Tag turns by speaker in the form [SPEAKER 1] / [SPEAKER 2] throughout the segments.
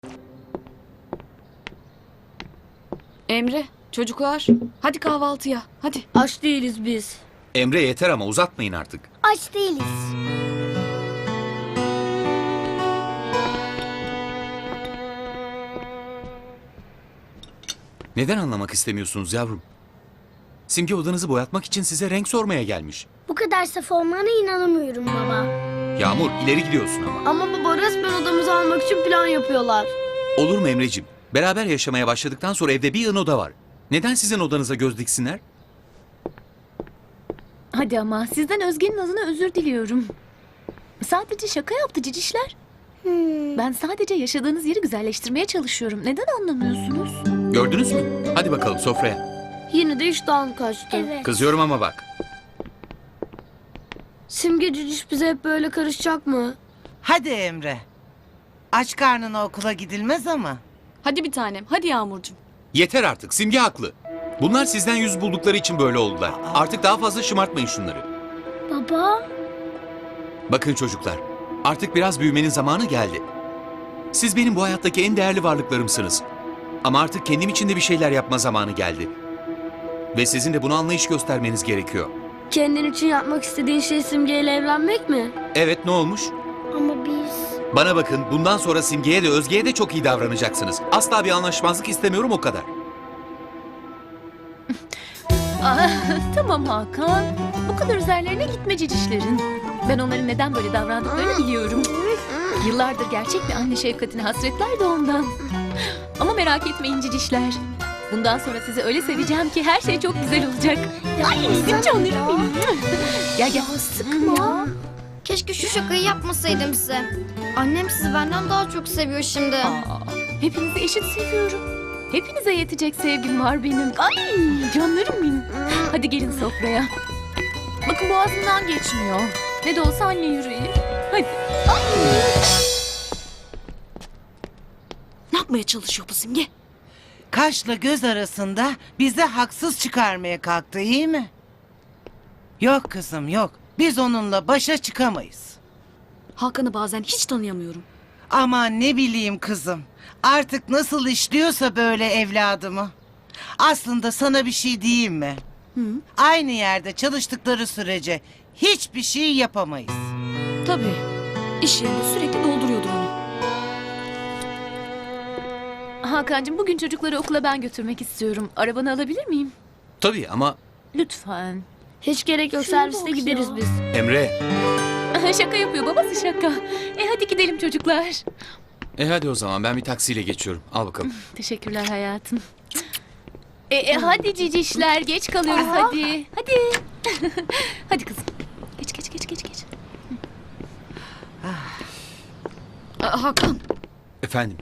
[SPEAKER 1] Emre, çocuklar, hadi kahvaltıya, hadi.
[SPEAKER 2] Aç değiliz biz.
[SPEAKER 3] Emre yeter ama uzatmayın artık.
[SPEAKER 4] Aç değiliz.
[SPEAKER 3] Neden anlamak istemiyorsunuz yavrum? Simge odanızı boyatmak için size renk sormaya gelmiş.
[SPEAKER 4] Bu kadar saf olmana inanamıyorum baba.
[SPEAKER 3] Yağmur ileri gidiyorsun ama.
[SPEAKER 2] Ama baba resmen odamızı almak için plan yapıyorlar.
[SPEAKER 3] Olur mu Emreciğim? Beraber yaşamaya başladıktan sonra evde bir yığın oda var. Neden sizin odanıza göz diksinler?
[SPEAKER 5] Hadi ama sizden Özge'nin adına özür diliyorum. Sadece şaka yaptı cicişler. Ben sadece yaşadığınız yeri güzelleştirmeye çalışıyorum. Neden anlamıyorsunuz?
[SPEAKER 3] Gördünüz mü? Hadi bakalım sofraya.
[SPEAKER 2] Yine de iştahım kaçtı.
[SPEAKER 4] Evet.
[SPEAKER 3] Kızıyorum ama bak.
[SPEAKER 2] Simge cüciş bize hep böyle karışacak mı?
[SPEAKER 6] Hadi Emre. Aç karnına okula gidilmez ama.
[SPEAKER 1] Hadi bir tanem, hadi Yağmurcuğum.
[SPEAKER 3] Yeter artık. Simge haklı. Bunlar sizden yüz buldukları için böyle oldular. Artık daha fazla şımartmayın şunları.
[SPEAKER 4] Baba.
[SPEAKER 3] Bakın çocuklar. Artık biraz büyümenin zamanı geldi. Siz benim bu hayattaki en değerli varlıklarımsınız. Ama artık kendim için de bir şeyler yapma zamanı geldi. Ve sizin de buna anlayış göstermeniz gerekiyor.
[SPEAKER 2] Kendin için yapmak istediğin şey Simge ile evlenmek mi?
[SPEAKER 3] Evet, ne olmuş?
[SPEAKER 4] Ama biz...
[SPEAKER 3] Bana bakın, bundan sonra Simge'ye de Özge'ye de çok iyi davranacaksınız. Asla bir anlaşmazlık istemiyorum, o kadar.
[SPEAKER 5] Tamam Hakan. Bu kadar üzerlerine gitme cicişlerin. Ben onların neden böyle davrandıklarını biliyorum. Yıllardır gerçek bir anne şefkatine hasretler de ondan. Ama merak etmeyin cicişler. Bundan sonra sizi öyle seveceğim ki her şey çok güzel olacak. Ay bizim canlarım benim. Gel gel.
[SPEAKER 4] Sıkma.
[SPEAKER 7] Keşke şu şakayı yapmasaydım size. Annem sizi benden daha çok seviyor şimdi.
[SPEAKER 5] Hepinizi eşit seviyorum. Hepinize yetecek sevgim var benim. Ay canlarım benim. Hadi gelin sofraya. Bakın boğazımdan geçmiyor. Ne de olsa anne yüreği. Hadi.
[SPEAKER 1] Ne yapmaya çalışıyor bu Simge?
[SPEAKER 6] Kaşla göz arasında bize haksız çıkarmaya kalktı, iyi mi? Yok kızım yok. Biz onunla başa çıkamayız.
[SPEAKER 1] Hakan'ı bazen hiç tanıyamıyorum.
[SPEAKER 6] Aman ne bileyim kızım. Artık nasıl işliyorsa böyle evladımı. Aslında sana bir şey diyeyim mi? Aynı yerde çalıştıkları sürece hiçbir şey yapamayız.
[SPEAKER 1] Tabii, iş yerinde sürekli dolduruyordur onu.
[SPEAKER 5] Hakan'cığım bugün çocukları okula ben götürmek istiyorum. Arabanı alabilir miyim?
[SPEAKER 3] Tabii ama
[SPEAKER 5] Lütfen.
[SPEAKER 2] Hiç gerek yok,
[SPEAKER 5] Şuna
[SPEAKER 2] serviste
[SPEAKER 5] bak
[SPEAKER 2] gideriz
[SPEAKER 5] ya.
[SPEAKER 2] biz.
[SPEAKER 3] Emre.
[SPEAKER 5] Şaka yapıyor babası şaka. Hadi gidelim çocuklar.
[SPEAKER 3] Hadi o zaman ben bir taksiyle geçiyorum. Al bakalım.
[SPEAKER 5] Teşekkürler hayatım. Hadi cicişler geç kalıyoruz hadi. Hadi. Hadi kızım. Geç geç geç geç geç.
[SPEAKER 1] Hakan,
[SPEAKER 3] Efendim?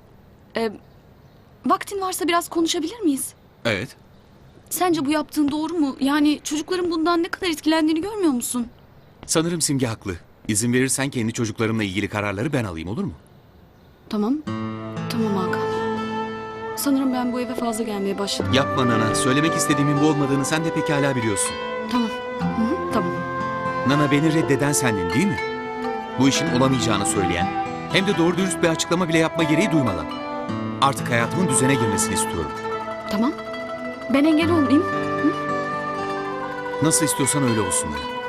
[SPEAKER 1] vaktin varsa biraz konuşabilir miyiz?
[SPEAKER 3] Evet.
[SPEAKER 1] Sence bu yaptığın doğru mu? Yani çocukların bundan ne kadar etkilendiğini görmüyor musun?
[SPEAKER 3] Sanırım Simge haklı. İzin verirsen kendi çocuklarımla ilgili kararları ben alayım, olur mu?
[SPEAKER 1] Tamam, tamam Hakan. Sanırım ben bu eve fazla gelmeye başladım.
[SPEAKER 3] Yapma Nana. Söylemek istediğimin bu olmadığını sen de pekala biliyorsun.
[SPEAKER 1] Tamam, tamam.
[SPEAKER 3] Nana, beni reddeden sendin değil mi? Bu işin olamayacağını söyleyen, hem de doğru dürüst bir açıklama bile yapma gereği duymadan. Artık hayatımın düzene girmesini istiyorum.
[SPEAKER 1] Tamam. Ben engel olmayayım.
[SPEAKER 3] Nasıl istiyorsan öyle olsun. Nana.